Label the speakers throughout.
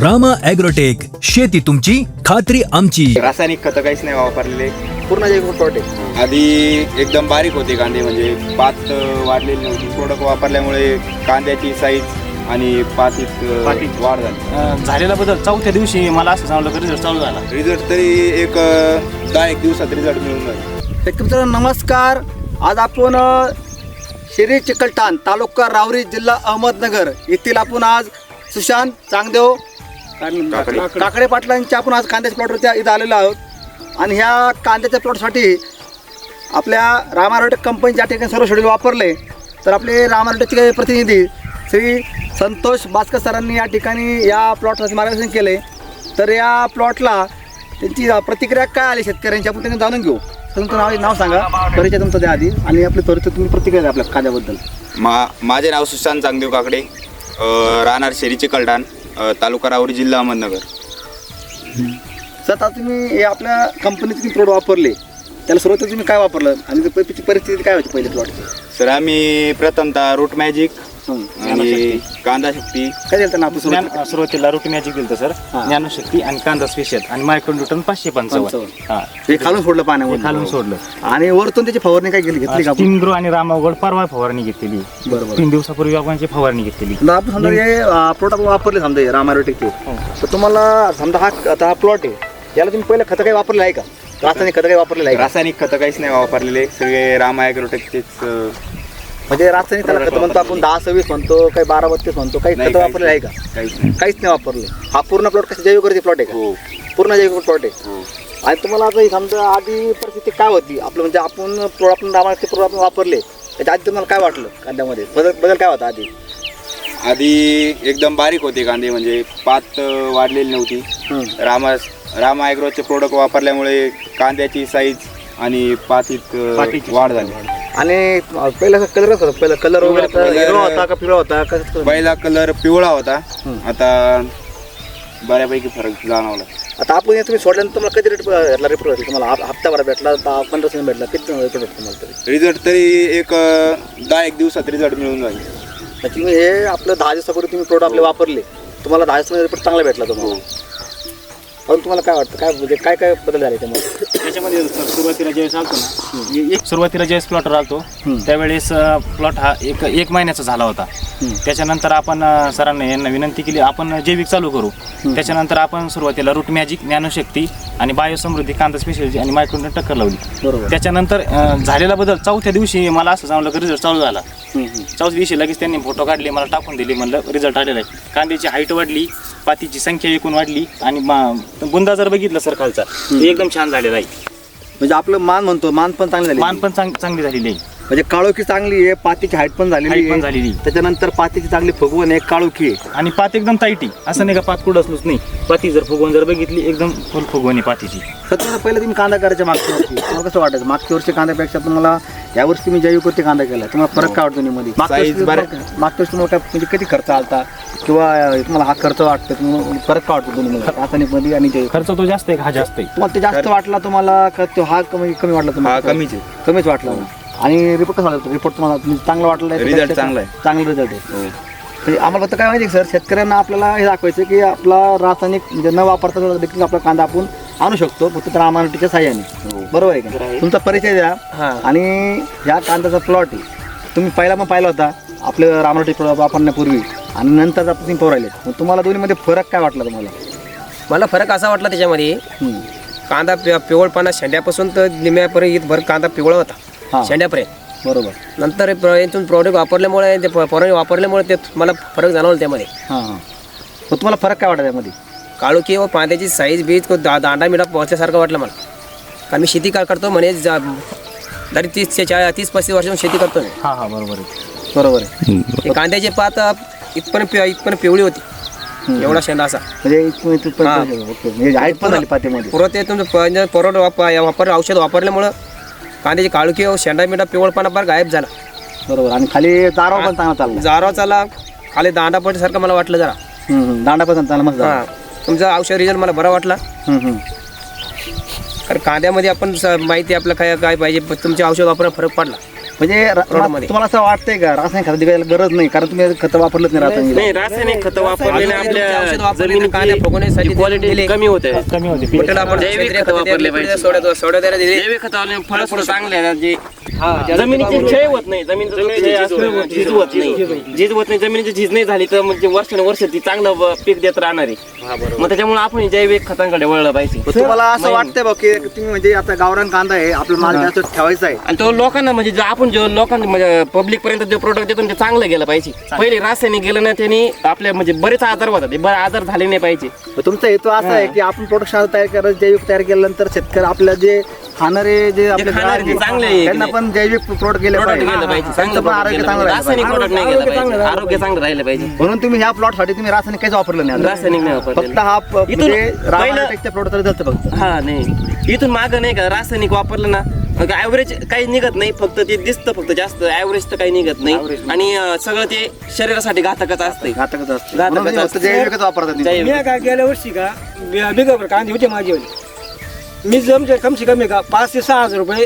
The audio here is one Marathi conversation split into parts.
Speaker 1: रामा ॲग्रोटेक, शेती तुमची खात्री आमची.
Speaker 2: रासायनिक खतं काहीच नाही वापरलेले.
Speaker 3: पूर्ण जैविक प्लॉट आहे.
Speaker 2: आधी एकदम बारीक होते कांदे, म्हणजे पात वाढलेली नव्हती. प्रोडक्ट वापरल्यामुळे कांद्याची साईज आणि पातीत वाढ झाली.
Speaker 4: झालेला बदल चौथ्या दिवशी मला असं सांगलं की रिझल्ट चालू झाला.
Speaker 2: रिझल्ट तरी एक 10-1 दिवसात रिझल्ट मिळून जाईल.
Speaker 3: शेतकरी मित्रांनो नमस्कार. आज आपण शिरी चिकलठाण, तालुका राहुरी, जिल्हा अहमदनगर येथील आपण आज सुशांत चांगदेव काकडे पाटलांच्या आपण आज कांद्याच्या प्लॉटवरती इथं आलेलो आहोत. आणि ह्या कांद्याच्या प्लॉटसाठी आपल्या रामा ॲग्रोटेक कंपनी ज्या ठिकाणी सर्व शेड्यूल वापरले, तर आपले रामा ॲग्रोटेकचे प्रतिनिधी श्री संतोष भास्कर सरांनी या ठिकाणी या प्लॉटसाठी मार्गदर्शन केले. तर या प्लॉटला त्यांची प्रतिक्रिया काय आली शेतकऱ्यांची आपण त्यांनी जाणून घेऊ. तुमचं नाव सांगा, परिचय तुमचं द्या आधी, आणि आपली त्वरित तुम्ही प्रतिक्रिया द्या आपल्या कांद्याबद्दल.
Speaker 2: माझे नाव सुशांत चांगदेव काकडे, राहणार शिरी चिकलठाण, तालुका राहुरी, जिल्हा अहमदनगर.
Speaker 3: सर, आता तुम्ही हे आपल्या कंपनीचे तुम्ही प्रोडक्ट वापरले, त्याला सुरुवातीला तुम्ही काय वापरलं आणि त्याची परिस्थिती काय होती पहिले प्लॉटची?
Speaker 2: सर, आम्ही प्रथमतः रूट मॅजिक आणि कांदा शक्ती
Speaker 3: काय दिलं त्यांना आपण
Speaker 4: सुरुवातीला रूट मॅजिक दिलं सर, ज्ञानशक्ती आणि कांदा स्पेशल आणि मायक्रोन्यूटन 555.
Speaker 3: हे खालून सोडलं पाण्यामध्ये,
Speaker 4: खालून सोडलं
Speaker 3: आणि वरतून त्याची फवारणी काय घेतली का?
Speaker 4: स्टीम ग्रो आणि रामागड परवा फवारणी घेतलेली.
Speaker 3: बरोबर.
Speaker 4: 3 दिवसापूर्वी आपण फवारणी घेतलेली.
Speaker 3: आपण समजा हे प्लॉट आपण वापरले, समजा रामा ॲग्रोटेकचे, तर तुम्हाला समजा हा प्लॉट आहे, याला तुम्ही पहिलं खतं काही वापरलं आहे का? रासायनिक खतं काही वापरलेलं आहे का?
Speaker 2: रासायनिक खतं काहीच नाही वापरलेले. सगळे रामा ॲग्रोटेकचेच.
Speaker 3: म्हणजे रासायनिक त्याला खतं म्हणतो आपण, 10-26 म्हणतो, काही 12-32 म्हणतो, काही खतं वापरले आहे का? काहीच नाही वापरले. हा पूर्ण प्लॉट कसं जैविक प्लॉट आहे का?
Speaker 2: हो.
Speaker 3: पूर्ण जैविक प्लॉट आहे. आणि तुम्हाला आता समजा आधी परिस्थिती काय होती आपलं, म्हणजे आपण प्रोडक्ट आपण वापरले, त्याच्या आधी तुम्हाला काय वाटलं कांद्यामध्ये? बदल काय होता आधी?
Speaker 2: आधी एकदम बारीक होते कांदे, म्हणजे पात वाढलेली नव्हती. रामा ॲग्रोचे प्रोडक्ट वापरल्यामुळे कांद्याची साईज आणि पातीत वाढ झाली.
Speaker 3: आणि पहिला कलर कसं होता? पहिला कलर वगैरे हिरवा होता का पिवळा होता?
Speaker 2: पहिला कलर पिवळा होता, आता बऱ्यापैकी फरक जाणवला.
Speaker 3: आता आपण हे तुम्ही सोडल्यानंतर तुम्हाला कधी रेट भेटला? रिपोर्ट तुम्हाला हप्ताभर भेटला, 15 दिवस भेटला, किती रिपोर्ट तुम्हाला तरी?
Speaker 2: रिझल्ट तरी एक 10-1 दिवसात रिझल्ट मिळून जाईल.
Speaker 3: तुम्ही हे आपलं 10 दिवसापूर्वी तुम्ही प्रोडक्ट आपले वापरले, तुम्हाला 10 दिवसामध्ये रिपोर्ट चांगला भेटला तुम्हाला. पण तुम्हाला काय वाटतं, काय म्हणजे काय काय बदल झाले
Speaker 4: त्याच्यामध्ये सुरुवातीला ज्यावेळेस आलतो ना, सुरुवातीला ज्यावेळेस प्लॉट आलतो त्यावेळेस प्लॉट हा एक महिन्याचा झाला होता. त्याच्यानंतर आपण सरांना यांना विनंती केली आपण जैविक चालू करू. त्याच्यानंतर आपण सुरुवातीला रूट मॅजिक, ज्ञानशक्ती आणि बायोसमृद्धी, कांदा स्पेशल आणि मायक्रोन्यूटन टक्कर लावली.
Speaker 3: बरोबर.
Speaker 4: त्याच्यानंतर झालेला बदल चौथ्या दिवशी मला असं सांगलं की रिझल्ट चालू झाला. चौथ्या दिवशी लगेच त्यांनी फोटो काढले, मला टाकून दिले, म्हणलं रिझल्ट आलेला आहे. कांद्याची हाईट वाढली, पातीची संख्या एकूण वाढली, आणि बुंदा जर बघितलं सर खालचा, एकदम छान झालेला आहे.
Speaker 3: म्हणजे आपलं मान पण चांगली झाली,
Speaker 4: मान पण चांगली झालेली आहे.
Speaker 3: म्हणजे काळोखी चांगली आहे, पातीची हाईट पण झालेली आहे. त्याच्यानंतर पातीची चांगली फुगवण आहे, काळोखी आहे,
Speaker 4: आणि पात एकदम ताईटी, असं नाही का पात कुठंच नाही. पाती जर फुगवून जर बघितली, एकदम फुल फुगवण आहे पातीची.
Speaker 3: सध्या पहिलं तुम्ही कांदा करायच्या मागच्या वर्षी तुम्हाला कसं वाटायचं? मागच्या वर्षी कांद्यापेक्षा तुम्हाला यावर्षी तुम्ही जैविकवरती कांदा केला, तुम्हाला फरक काय वाटतो मध्ये? मागच्या वर्षी तुम्हाला काय म्हणजे किती खर्च आलता, किंवा तुम्हाला हा खर्च वाटतो, तुम्हाला फरक काय वाटतो दोन्हीमध्ये, रासायनिक मध्ये आणि जैविक?
Speaker 4: खर्च तो जास्त आहे, हा जास्त आहे.
Speaker 3: तुम्हाला ते जास्त वाटला, तुम्हाला हा कमी वाटला तुम्हाला? कमीच वाटला. आणि रिपोर्ट कसा वाटला? रिपोर्ट तुम्हाला चांगला वाटला?
Speaker 2: रिझल्ट चांगला आहे,
Speaker 3: चांगला रिझल्ट आहे. म्हणजे आम्हाला फक्त काय माहिती सर, शेतकऱ्यांना आपल्याला हे दाखवायचं की आपला रासायनिक म्हणजे न वापरता देखील आपला कांदा आपण आणू शकतो, फक्त तर रामानुटीच्या साह्याने. बरोबर आहे का? तुमचा परिचय द्या. आणि ह्या कांद्याचा प्लॉट आहे, तुम्ही पाहिला होता आपलं रामानुटी प्लॉट वापरण्यापूर्वी, आणि नंतर आपण तुम्ही पोरायले, मग तुम्हाला दोन्हीमध्ये फरक काय वाटला तुम्हाला?
Speaker 5: मला फरक असा वाटला त्याच्यामध्ये, कांदा पिवळपणा शेंड्यापासून तर निम्यापर्यंत इथभर कांदा पिवळा होता शेंड्यापर्यंत.
Speaker 3: बरोबर.
Speaker 5: नंतर यातून प्रोडक्ट वापरल्यामुळे, ते फवारणी वापरल्यामुळे ते मला फरक जाणवला त्यामध्ये.
Speaker 3: मग तुम्हाला फरक काय वाटला त्यामध्ये?
Speaker 5: काळोखी व कांद्याची साईज बीज दांडा मिठा पोहोचल्यासारखं वाटलं मला. कारण मी शेती करतो म्हणे, तरी 30-35 वर्षांपासून शेती करतो मी.
Speaker 3: बरोबर आहे.
Speaker 5: कांद्याची पात इथपर्यंत पिवळी होती, एवढा शेंडा असा.
Speaker 3: म्हणजे हाईट पण झाली पातीमध्ये.
Speaker 5: पुरं ते तुमचं औषध वापरल्यामुळं कांद्याची काळुकी व शेंडा मिठा पिवळपणा फार गायब झाला.
Speaker 3: बरोबर. आणि खाली दाराव पण चांगला चालला,
Speaker 5: जारवा चालला, खाली दांडा पडल्यासारखं मला वाटलं जरा.
Speaker 3: दांडा पण चांगला मस्त.
Speaker 5: तुमचा औषध रिझल्ट मला बरा वाटला. कारण कांद्यामध्ये आपण माहिती आपलं काय पाहिजे, तुमच्या औषध वापरायला फरक पडला.
Speaker 3: म्हणजे
Speaker 5: रोडमध्ये.
Speaker 3: तुम्हाला असं वाटतंय का रासायनिक खत दिवायला गरज नाही कारण तुम्ही खतं वापरलंच नाही रासायनिक
Speaker 6: नाही रासायनिक खतं वापरलेले
Speaker 5: औषध
Speaker 6: आपल्या
Speaker 5: वापरले तर कांद्या फुगवण्यासाठी
Speaker 6: जमिनीची क्वालिटी
Speaker 5: दिले.
Speaker 6: कमी होते.
Speaker 4: कमी होते
Speaker 5: कुठलं आपण
Speaker 6: जैविक
Speaker 5: सेंद्रिय
Speaker 6: खतं
Speaker 5: खतं
Speaker 6: वापरले
Speaker 5: दिले,
Speaker 6: पाहिजे.
Speaker 5: सोड्या द्यायला दिले.
Speaker 6: जैविक खतावले फळ फळ चांगले आहे जे जमिनीची क्षय होत नाही, जमिनीची झीज होत नाही, झीज होत नाही. जमिनीची झीज नाही झाली तर म्हणजे वर्षानुवर्ष ती चांगलं पीक देत राहणार आहे. मग त्याच्यामुळे आपण जैविक खतांकडे वळलं पाहिजे.
Speaker 3: तुम्हाला असं वाटतंय बघ की तुम्ही म्हणजे आता गावरान कांदा आहे आपला माल जास्त ठेवायचा आहे
Speaker 6: आणि तो लोकांना म्हणजे आपण जो लोकांना म्हणजे पब्लिक पर्यंत जे प्रोडक्ट देतो ते चांगलं गेलं पाहिजे. पहिले रासायनिक गेलं ना त्यांनी आपल्या म्हणजे बरेच आजार होतात, ते आजार झाले नाही पाहिजे.
Speaker 3: तुमचा हेतू असा आहे की आपण प्रोडक्ट तयार करायचं जैविक तयार केल्यानंतर शेतकरी आपल्या जे खाणारे जे आपले
Speaker 6: खाणारे
Speaker 3: ग्राहक
Speaker 6: चांगले
Speaker 3: आहेत,
Speaker 6: आहे.
Speaker 3: त्यांना पण जैविक प्रोडक्ट गेले
Speaker 6: प्रोडक्ट
Speaker 3: पाहिजे
Speaker 6: गेलं पाहिजे,
Speaker 3: त्यांचं
Speaker 6: चांगलं
Speaker 3: पण
Speaker 6: product
Speaker 3: आरोग्य
Speaker 6: गेलं
Speaker 3: चांगलं
Speaker 6: पाहिजे.
Speaker 3: राहिलं
Speaker 6: रासायनिक
Speaker 3: पाहिजे.
Speaker 6: प्रोडक्ट नाही गेलं पाहिजे, आरोग्य चांगलं राहिलं पाहिजे.
Speaker 3: म्हणून तुम्ही ह्या प्लॉट साठी तुम्ही रासायनिक काहीच वापरलं नाही आता.
Speaker 6: रासायनिक नाही वापरलेलं.
Speaker 3: फक्त हा
Speaker 6: इथून
Speaker 3: म्हणजे
Speaker 6: पहिलं-
Speaker 3: रामायणापेक्षा प्रोडक्ट तरी जातं फक्त
Speaker 6: हा नाही इथून मागं नाही का रासायनिक वापरलं ना ऍव्हरेज काही निघत नाही, फक्त ते दिसतं फक्त जास्त ऍव्हरेज तर काही निघत नाही. आणि सगळं ते शरीरासाठी घातकच असते.
Speaker 3: घातकच असतं
Speaker 6: घातकच
Speaker 3: म्हणून तुम्ही फक्त
Speaker 6: असतं.
Speaker 3: जैविकच वापरतात तुम्ही.
Speaker 6: जैविक.
Speaker 7: मी काय गेल्या वर्षी का बिगावर कांदे होते माझे मी जमचे कमसे कमी का 5 ते 6 हजार रुपये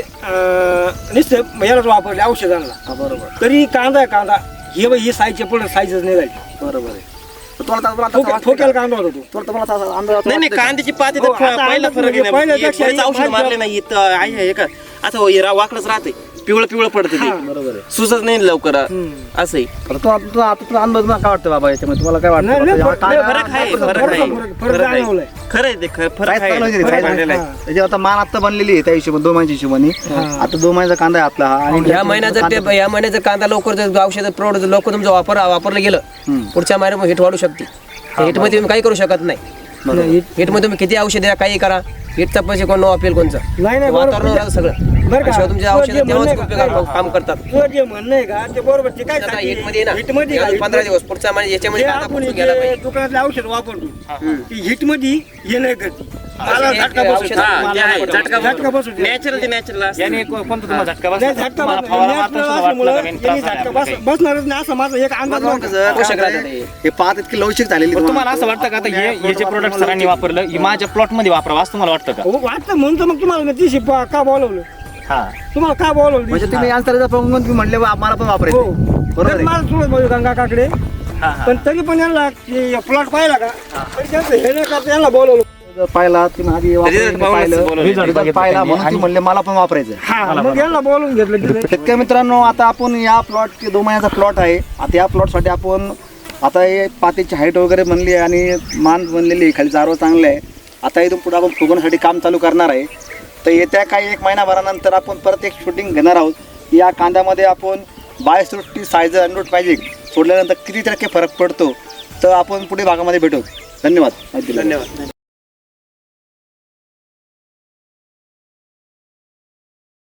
Speaker 7: नुसतं यालाच वापरले औषधांना.
Speaker 3: बरोबर
Speaker 7: तरी कांदा आहे कांदा ही साईजचे पुढे साईजच नाही झाली.
Speaker 3: बरोबर आहे तुम्हाला आता- आता वाटतं
Speaker 7: ठोक्याला
Speaker 3: का?
Speaker 7: कांदा होता तो.
Speaker 3: तुम्हाला असा अंदाज
Speaker 6: नाही नाही
Speaker 3: वाटतोय का?
Speaker 6: कांद्याची पाती
Speaker 7: हो,
Speaker 6: तर
Speaker 7: आता
Speaker 6: पहिला
Speaker 7: अंदाज
Speaker 6: फरक आहे
Speaker 7: म्हणजे
Speaker 6: ना.
Speaker 7: पहिल्यापेक्षा
Speaker 6: बरेच औषध
Speaker 7: माझ्या-
Speaker 6: मारले नाही इथं आहे का असं हे वाकडच राहते, पिवळं पिवळं पडते ते.
Speaker 3: बरोबर आहे
Speaker 6: सुचत नाही लवकर असंही.
Speaker 3: आता आता तुला अनुभव तुम्हाला काय वाटतं बाबा याच्यामध्ये तुम्हाला काय वाटतं
Speaker 7: नाही,
Speaker 3: आता
Speaker 7: नाही,
Speaker 3: जेव्हा
Speaker 7: फरक-
Speaker 3: कांदा-
Speaker 6: फरक आहे,
Speaker 7: फरक-
Speaker 6: फरक
Speaker 7: फरक-
Speaker 6: आहे.
Speaker 7: फरक- फरक
Speaker 6: फरक आहे.
Speaker 7: जाणवलाय.
Speaker 6: खरं आहे ते फरक
Speaker 3: साईज
Speaker 6: आहे.
Speaker 3: चांगली होती,
Speaker 6: फरक
Speaker 3: साईज
Speaker 6: झालेला आहे.
Speaker 3: आहे. त्याच्यावर आता मान आता बनलेली आहे त्या हिशोबाने 2 महिन्याच्या हिशोबाने आता 2 महिन्याचा कांदा आहे आपला हा आणि
Speaker 5: ह्या महिन्याचं या महिन्याचा कांदा लवकर जर औषध प्रोडक्ट लवकर तुमचं वापरलं गेलं पुढच्या महिन्यात हिट वाढू शकते. हिट मध्ये तुम्ही काही करू शकत नाही. हिट मध्ये तुम्ही किती औषध द्या काही करा, हिटचा पैसे कोण वापरेल कोणचं
Speaker 7: नाही, नाही, बरोबर.
Speaker 5: वातावरण राहतं सगळं.
Speaker 7: बरं का?
Speaker 5: अशा तुमच्या
Speaker 7: तुझं
Speaker 5: औषध
Speaker 7: जे
Speaker 5: तेव्हाच
Speaker 7: म्हणणं आहे
Speaker 5: उपयोगात
Speaker 7: का?
Speaker 5: काम करतात.
Speaker 7: तुझं जे म्हणणं आहे का ते बरोबर ते काय
Speaker 5: आता हिटमध्ये ना
Speaker 7: हिटमध्ये
Speaker 5: अजून 15 दिवस पुढच्या महिन्यात याच्यामध्ये कांदा
Speaker 7: आपण
Speaker 5: पोचून घ्यायला
Speaker 7: जे
Speaker 5: पाहिजे.
Speaker 7: दुकानातले औषध वापरतो ती हिट मध्ये हे नाही करत. मला
Speaker 5: एक
Speaker 7: झटका
Speaker 5: औषध-
Speaker 7: बसतो.
Speaker 6: हा, ते आहे. झटका
Speaker 7: बसू दे.
Speaker 6: नॅचरल ते नॅचरल असतं.
Speaker 4: याने कोणता तुम्हाला झटका
Speaker 7: नाही,
Speaker 4: बसला?
Speaker 7: झटका
Speaker 4: तुम्हाला
Speaker 7: बसतो.
Speaker 4: फवारा
Speaker 7: natural
Speaker 4: मारताना सुद्धा
Speaker 7: असल्यामुळं
Speaker 4: वाटलं का नाही,
Speaker 7: यांनी
Speaker 4: त्रास झाला
Speaker 7: झटका
Speaker 4: आपल्याला काही?
Speaker 7: बसणारच नाही असं माझा एक अंदाज
Speaker 3: बघा
Speaker 7: नव्हता.
Speaker 3: कसं
Speaker 5: पोषक
Speaker 3: काय
Speaker 5: राहतं ते.
Speaker 3: हे पाहत इतकी लवचिक झालेली
Speaker 4: पण तुम्हाला असं वाटतं का आता हे जे प्रोडक्ट सरांनी वापरलं हे माझ्या प्लॉट मध्ये वापरावं असं तुम्हाला वाटतं का?
Speaker 7: हो, वाटतं म्हणून तर मग तुम्हाला मी ती शिप का बोलवलं
Speaker 4: हा
Speaker 7: तुम्हाला का बोलवलं
Speaker 3: म्हणजे तुम्ही आन्सरचा प्रॉब्लेम तुम्ही म्हणले बा, आम्हाला पण
Speaker 7: हो
Speaker 3: वापरायचं बरोबर
Speaker 7: तर
Speaker 3: आहे
Speaker 7: मला थोडं बोलू गंगा काकडे
Speaker 4: हा, हा.
Speaker 7: पण तरी पण यांना प्लॉट पाहिला का तरी त्यांचं हे नाही का यांना बोलवलं.
Speaker 3: पाहिला तुम्ही आधी वापरून
Speaker 6: पाहूनच
Speaker 3: पाहिलं
Speaker 6: बोलवलं.
Speaker 3: result पाहिला म्हणून तुम्ही म्हणले मला पण वापरायचं
Speaker 7: हा मग यांना बोलवून घेतलं तिथे.
Speaker 3: शेतकरी मित्रांनो आता आपण या प्लॉट 2 महिन्याचा प्लॉट आहे आता या प्लॉटसाठी आपण आता हे पातीची हाईट वगैरे बनली आहे आणि मान बनलेली आहे खाली चारवं चांगलं आहे आता इथून पुढे आपण फुगवण्यासाठी काम चालू करणार आहे तर येत्या काही 1 महिनाभरानंतर आपण परत एक शूटिंग घेणार आहोत या कांद्यामध्ये आपण बायोसृष्टी सायझर अनरूट मॅजिक सोडल्यानंतर किती टक्के फरक पडतो तर आपण पुढे भागामध्ये भेटू धन्यवाद.